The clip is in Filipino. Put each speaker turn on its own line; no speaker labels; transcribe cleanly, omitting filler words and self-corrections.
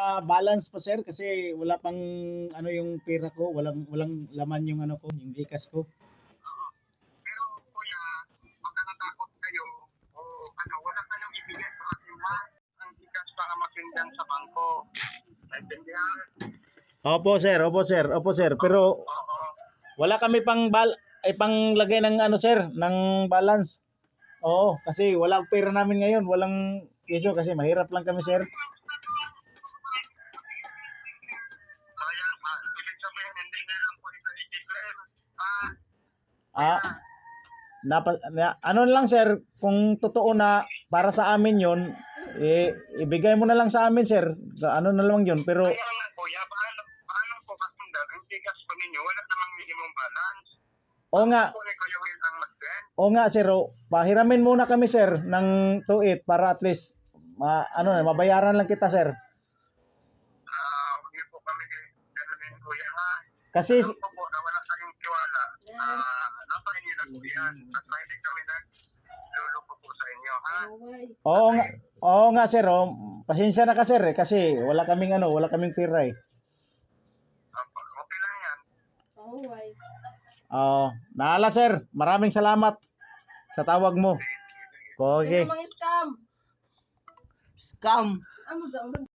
balance pa sir kasi wala pang ano yung pera ko, walang laman yung ano ko, yung Gcash ko.
Pero kuya, huwag ka natakot kayo o ano, wala kayong ibigay sa akin ha. Ang Gcash para masindan sa bangko. Naintindihan?
Opo sir, pero
Oo.
wala kami panglagay ng ano sir, ng balance. Oo, kasi walang pera namin ngayon, walang piso kasi mahirap lang kami sir.
Kaya, ibig sabihin, hindi nilang po ito i-declare.
Ah, ano lang sir, kung totoo na para sa amin yon, ibigay mo na lang sa amin sir. Ano na lang yun, pero
Kaya nga kuya, paano po kasundan? Ang Gcash po ninyo, wala namang minimum balance.
o nga,
Po ni Kuya Will ang mag-send.
o nga sir, pahiramin muna kami sir ng 2.8 para at least mabayaran lang kita sir.
Huwag niyo po kami ganunin kuya ha.
Kasi
Alam ko po na wala kayong tiwala. Nasa inyo na po yan. Basta hindi kami nagluloko po sa inyo ha.
oo nga sir, pasensya na ka sir kasi wala kaming pera eh.
Okay lang yan.
Naala sir, maraming salamat sa tawag mo. Okay.
Mga scam.
Scam.
Ano sa